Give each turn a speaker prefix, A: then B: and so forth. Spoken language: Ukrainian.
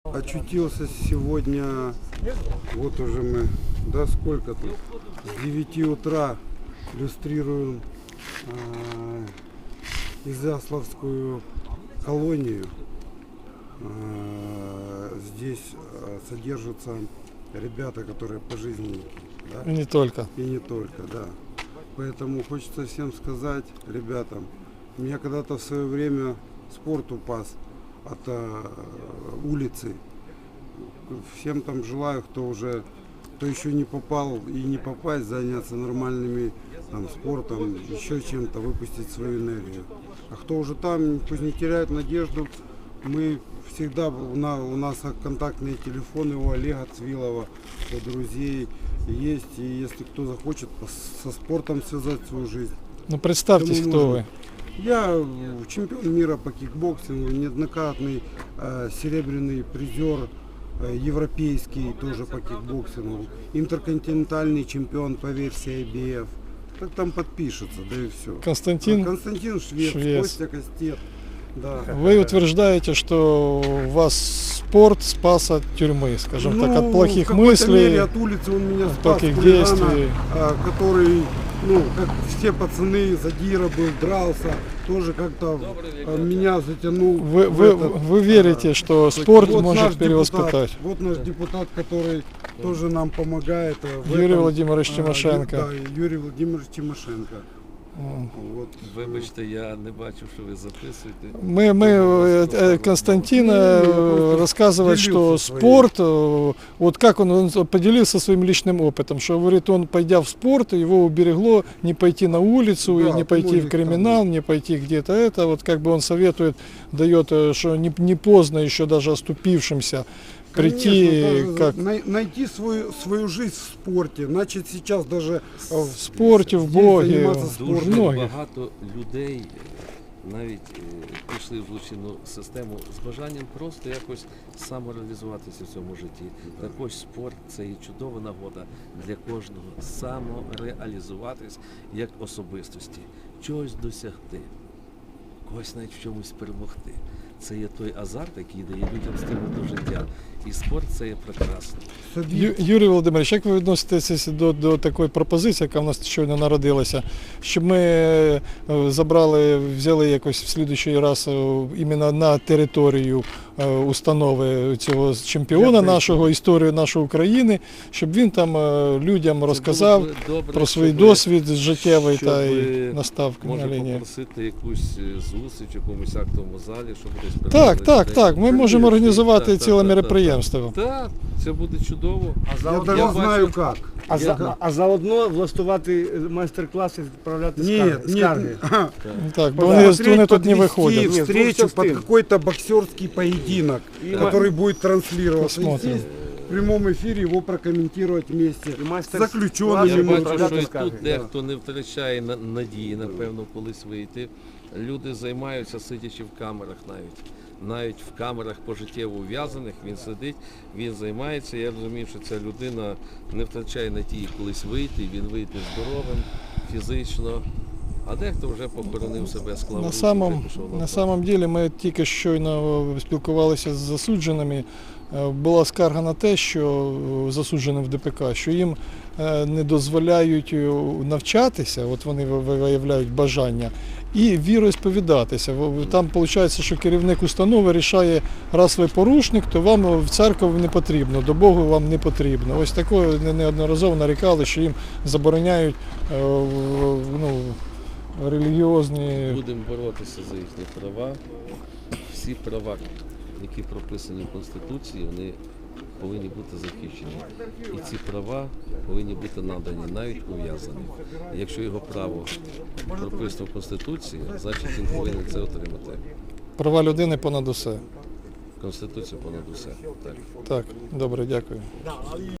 A: Очутился сегодня, вот уже мы, да сколько тут, с 9 утра иллюстрируем Изяславскую колонию. Здесь содержатся ребята, которые пожизненники. Да?
B: И не только.
A: И не только, да. Поэтому хочется всем сказать, ребятам, меня когда-то в свое время спорт упас от улицы. Всем там желаю, кто еще не попал и не попасть, заняться нормальными спортом, еще чем-то, выпустить свою энергию. А кто уже там, пусть не теряет надежду. Мы всегда, у нас контактные телефоны у Олега Цвилова, у друзей есть. И если кто захочет со спортом связать свою жизнь.
B: Ну представьтесь, кто вы.
A: Я чемпион мира по кикбоксингу, неоднократный серебряный призер европейский тоже по кикбоксингу, интерконтинентальный чемпион по версии IBF. Так там подпишется, да и все.
B: Константин
A: Швец, Костя Костет. Да.
B: Вы утверждаете, что вас спорт спас от тюрьмы, скажем так, от плохих мыслей,
A: мере, от улицы он меня спас,
B: плохих действий,
A: который, как все пацаны, задира был, дрался, тоже как-то меня затянул.
B: Вы верите, что спорт может перевоспитать?
A: Вот наш депутат, который тоже нам помогает.
B: Юрий Владимирович Тимошенко.
A: Да, Юрий Владимирович Тимошенко.
C: Вот. Вибачте, я не бачу, что вы записуєте.
B: Константин рассказывает, что спорт, вот как он поделился своим личным опытом, что, говорит, он, пойдя в спорт, его уберегло не пойти на улицу,
A: да,
B: и не пойти в криминал, не пойти где-то это, вот как бы он советует, дает, что не поздно еще даже оступившимся прийти,
A: найти свою жизнь в спорте, начать сейчас даже
B: в спорте, в Богі.
C: Дуже багато людей навіть пішли в злочинну систему з бажанням просто якось самореалізуватися в цьому житті. Також спорт – це і чудова нагода для кожного самореалізуватись як особистості, чогось досягти, когось навіть в чомусь перемогти. Це є той азарт, який дає людям стимул до життя. І спорт – це є прекрасно.
B: Юрій Володимирович, як ви відноситеся до такої пропозиції, яка в нас щойно народилася, щоб ми взяли якось в слідуючий раз іменно на територію установи цього чемпіона нашого, історію нашої України, щоб він там людям розказав про свій досвід життєвий та і настав на лінії.
C: Може попросити якусь зустріч в якомусь актовому залі, щоб
B: Так, ми можемо організувати ціле мероприємство.
C: Так, це буде чудово.
A: Я даже знаю як.
D: А заодно влаштувати майстер-класи, відправляти скарги.
B: Так, бо вони тут не виходять.
A: Встречу под какой-то боксерский поединок, который будет транслироваться.
B: Посмотрим.
A: В прямом эфире его прокомментировать вместе с
C: Я
A: заключенными.
C: бачу, що і тут дехто не втрачає надії, напевно, колись вийти. Люди займаються, сидячи в камерах навіть в камерах пожиттєво ув'язаних, він сидить, він займається. Я розумію, що ця людина не втрачає надії колись вийти, він вийде здоровим, фізично. А дехто вже похоронив себе, склав руки, пішов на
B: На самом деле ми тільки щойно спілкувалися з засудженими. Була скарга на те, що засудженим в ДПК, що їм не дозволяють навчатися, от вони виявляють бажання, і віросповідатися. Там виходить, що керівник установи рішає, раз ви порушник, то вам в церкву не потрібно, до Богу вам не потрібно. Ось такое неодноразово нарікали, що їм забороняють релігіозні...
C: Будемо боротися за їхні права. Всі права, які прописані в Конституції, вони повинні бути захищені. І ці права повинні бути надані, навіть ув'язані. Якщо його право прописано в Конституції, значить він повинен це отримати.
B: Права людини понад усе.
C: Конституція понад усе.
B: Так, добре, дякую.